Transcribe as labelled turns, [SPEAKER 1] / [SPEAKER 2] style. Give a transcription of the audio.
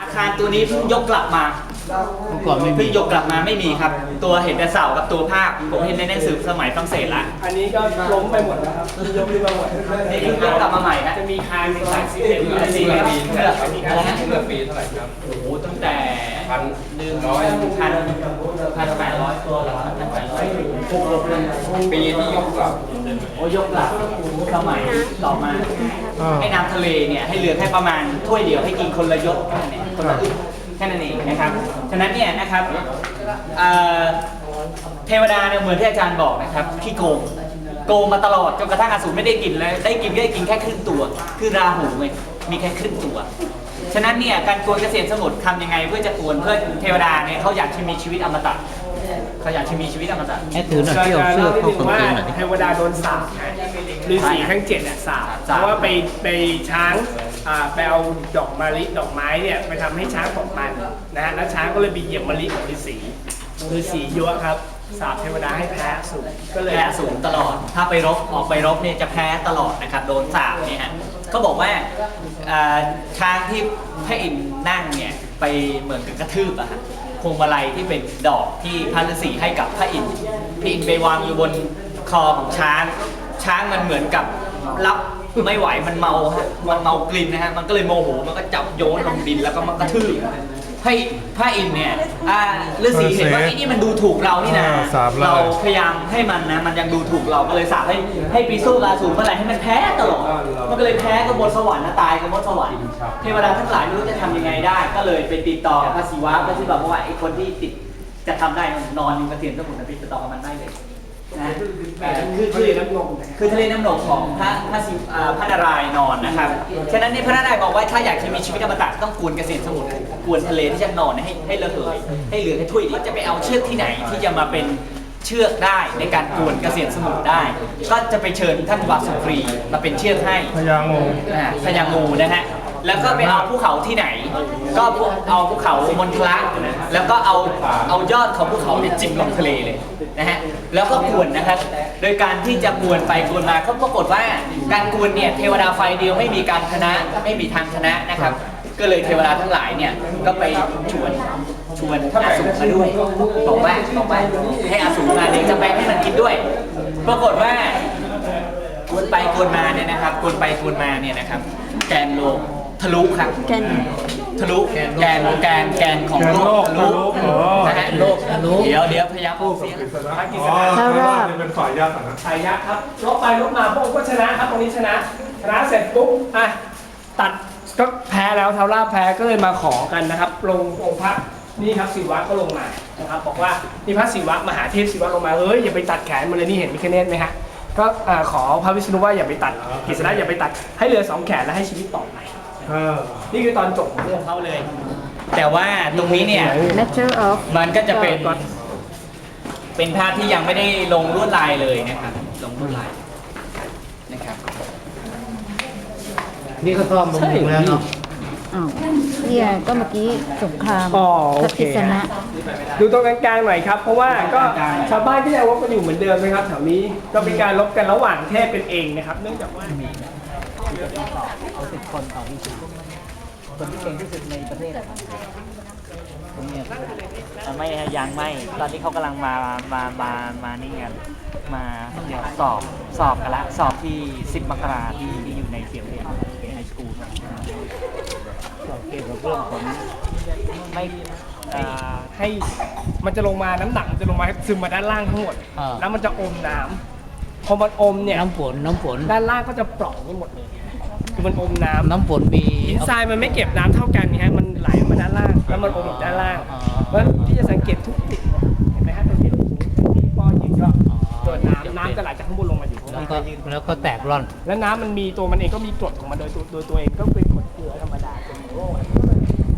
[SPEAKER 1] คารตัวนี้เพิ่งยกกลับมา
[SPEAKER 2] เมื่อก่อนไม่มี
[SPEAKER 1] เพิ่งยกกลับมาไม่มีครับ ตัวเห็นแต่เสากับตัวภาพผมเห็นในหนังสือสมัยฝรั่งเศสละ
[SPEAKER 3] อันนี้ก็ล้มไปหมดแล้วครับยกขึ้นมาหมด
[SPEAKER 1] นี่เพิ่งยกกลับมาใหม่นะ
[SPEAKER 3] จะมีคานเป็นสายสีเหลือง
[SPEAKER 1] สีเหลืองเลือกอะไรฮะ
[SPEAKER 4] เมื่อปีเท่าไหร่ครับ
[SPEAKER 1] โอ้โหตั้งแต่ 1,800ตัวเหรอ1,800
[SPEAKER 4] ปีที่ยกกลับ
[SPEAKER 1] โอ้ยกหลักสมัยต่อมาให้น้ำทะเลเนี่ยให้เหลือแค่ประมาณถ้วยเดียวให้กินคนละยกแค่นั้นเองคนละอึกแค่นั้นเองนะครับฉะนั้นเนี่ยนะครับเทวดาเนี่ยเหมือนที่อาจารย์บอกนะครับขี้โกงมาตลอดจนกระทั่งอสูรไม่ได้กินเลยได้กินก็ได้กินแค่ครึ่งตัวคือราหูไงมีแค่ครึ่งตัวฉะนั้นเนี่ยการกวนเกษตรสมุทรทำยังไงเพื่อจะกวนเพื่อเทวดาเนี่ยเขาอยากจะมีชีวิตอมตะเขาอยากจะมีชีวิตอมตะ
[SPEAKER 2] ให้ถือหน่อยเที่ยวเสื้อเข้ากางเกงหน่อยดิ
[SPEAKER 3] เทวดาโดนสาปฤาษีทั้ง7สาปเพราะว่าไปช้างไปเอาดอกมะลิดอกไม้เนี่ยไปทำให้ช้างตกมันนะฮะแล้วช้างก็เลยไปเหยียบมะลิของฤาษียั่วครับสาปเทวดาให้แพ้อสูรก็เลย
[SPEAKER 1] แพ้อสูรตลอด ถ้าไปรบออกไปรบเนี่ยจะแพ้ตลอดนะครับโดนสาปเนี่ยฮะเขาบอกว่าช้างที่พระอินทร์นั่งเนี่ยไปเหมือนกับกระทืบอะฮะพวงมาลัยที่เป็นดอกที่พระฤาษีให้กับพระอินทร์ไปวางอยู่บนคอของช้างมันเหมือนกับรับไม่ไหวมันเมาฮะมันเมากลิ่นนะฮะมันก็เลยโมโหมันก็จับโยนลงดินแล้วก็มันกระทืบให้พระอินทร์เนี่ยฤาษีเห็นว่าไอ้นี่มันดูถูกเรานี่นะเราพยายามให้มันนะมันยังดูถูกเราก็เลยสาปให้ปีสู้ราสูรเมื่อไหร่ให้มันแพ้ตลอดมันก็เลยแพ้กับบนสวรรค์นะตายกับบนสวรรค์เทวดาทั้งหลายไม่รู้จะทำยังไงได้ ก็เลยไปติดต่อกับพระศิวะพระศิวะบอกว่าไอ้คนที่ติดจะทำได้นอนอยู่กระเทียมสมุนไพรติดต่อกับมันได้เลยนะคือทะเลน้ำนมของพระนารายณ์นอนนะครับฉะนั้นนี่พระนารายณ์บอกว่าถ้าอยากจะมีชีวิตอมตะต้องกวนเกษตรสมุทรกวนทะเลที่จะนอนให้ระเหยให้เหลือแค่ถ้วยเดียวจะไปเอาเชือกที่ไหนที่จะมาเป็นเชือกได้ในการกวนเกษตรสมุทรได้ ก็จะไปเชิญท่านวาสุกรีมาเป็นเชือกให้พญางูนะฮะแล้วก็ไปเอาภูเขาที่ไหน ก็เอาภูเขามณฑละแล้วก็เอายอดของภูเขาเนี่ยจิ้มลงทะเลเลยนะฮะแล้วก็กวนนะครับโดยการที่จะกวนไปกวนมาเขาปรากฏว่าการกวนเนี่ยเทวดาไฟเดียวไม่มีการชนะไม่มีทางชนะนะครับก็เลยเทวดาทั้งหลายเนี่ยก็ไปชวนอสูรมาด้วยบอกว่าให้อสูรมาเดี๋ยวจะไปให้มันกินด้วย ปรากฏว่ากวนไปกวนมาเนี่ยนะครับกวนไปกวนมาเนี่ยนะครับแกนโลกทะลุครับทะลุแกนของโลกทะลุนะฮะโลกทะลุเดี๋ยวพยายามพูดเสียง
[SPEAKER 5] เท่าราบ
[SPEAKER 4] เป็นฝ่ายยากนะ
[SPEAKER 3] สายยักษ์ครับลบไปลบมาพวกก็ชนะครับตรงนี้ชนะเสร็จปุ๊บตัดก็แพ้แล้วเท้าราบแพ้ก็เลยมาขอกันนะครับลงองค์พระนี่ครับศิวะก็ลงมานะครับบอกว่านี่พระศิวะมหาเทพศิวะลงมาเฮ้ยอย่าไปตัดแขนมันเลยนี่เห็นมิคเนตไหมฮะก็ขอพระวิษณุว่าอย่าไปตัดกฤษณะอย่าไปตัดให้เหลือ2แขนแล้วให้ชีวิตต่อไปนี่คือตอนจบของเรื่องเขาเลย
[SPEAKER 1] แต่ว่าตรงนี้เนี่ย
[SPEAKER 5] Matter of
[SPEAKER 1] มันก็จะเป็นภาพที่ยังไม่ได้ลงลวดลายเลยนะครับลงลวดลายนะครับ
[SPEAKER 2] นี่ก็ซ่อมบำรุงแล้วเนาะ
[SPEAKER 5] อ้าวเนี่ยก็เมื่อกี้สงคราม
[SPEAKER 3] โอ
[SPEAKER 5] พระ
[SPEAKER 3] เค
[SPEAKER 5] กฤษณะ
[SPEAKER 3] ดูตรงกลางๆหน่อยครับเพราะว่าก็ชาวบ้านที่ยังรบกันอยู่เหมือนเดิมนะครับแถวนี้ก็เป็นการรบกันระหว่างเทพเป็นเองนะครับเนื่องจากว่า
[SPEAKER 1] เอา10 คนต่อที่สุดคนที่เก่งที่สุดในประเทศตรงนี้ไม่ยังไม่ตอนนี้เขากำลังมานี่กันมาเดี๋ยวสอบกันละสอบที่10 มกราที่อยู่ในเสียงเรียนไฮสคูลสอบเกี่ยวกับเรื่องของไม่
[SPEAKER 3] ให้มันจะลงมาน้ำหนักมันจะลงมาซึมมาด้านล่างทั้งหมดแล้วมันจะอมน้ำพอมันอมเนี่ย
[SPEAKER 2] น้ำฝน
[SPEAKER 3] ด้านล่างก็จะปล่องไปหมดเลยคือมันอมน้ำ
[SPEAKER 2] น้ำฝนมี
[SPEAKER 3] หินทรายมันไม่เก็บน้ำเท่ากันไงฮะมันไหลมาด้านล่างแล้วมันอมอยู่ด้านล่างเพราะฉะนั้นที่จะสังเกตทุกจุดเห็นไหมฮะตรงนี้ป้อยืนก็ตัวน้ำจะไหลจากข้างบนลงมาอยู่ข้างล่าง
[SPEAKER 2] แล้วก็แตกร่อน
[SPEAKER 3] แล้วน้ำมันมีตัวมันเองก็มีกรดของมันโดยตัวเองก็เป็นกรดเกลือธรรมดาเป็นของโลก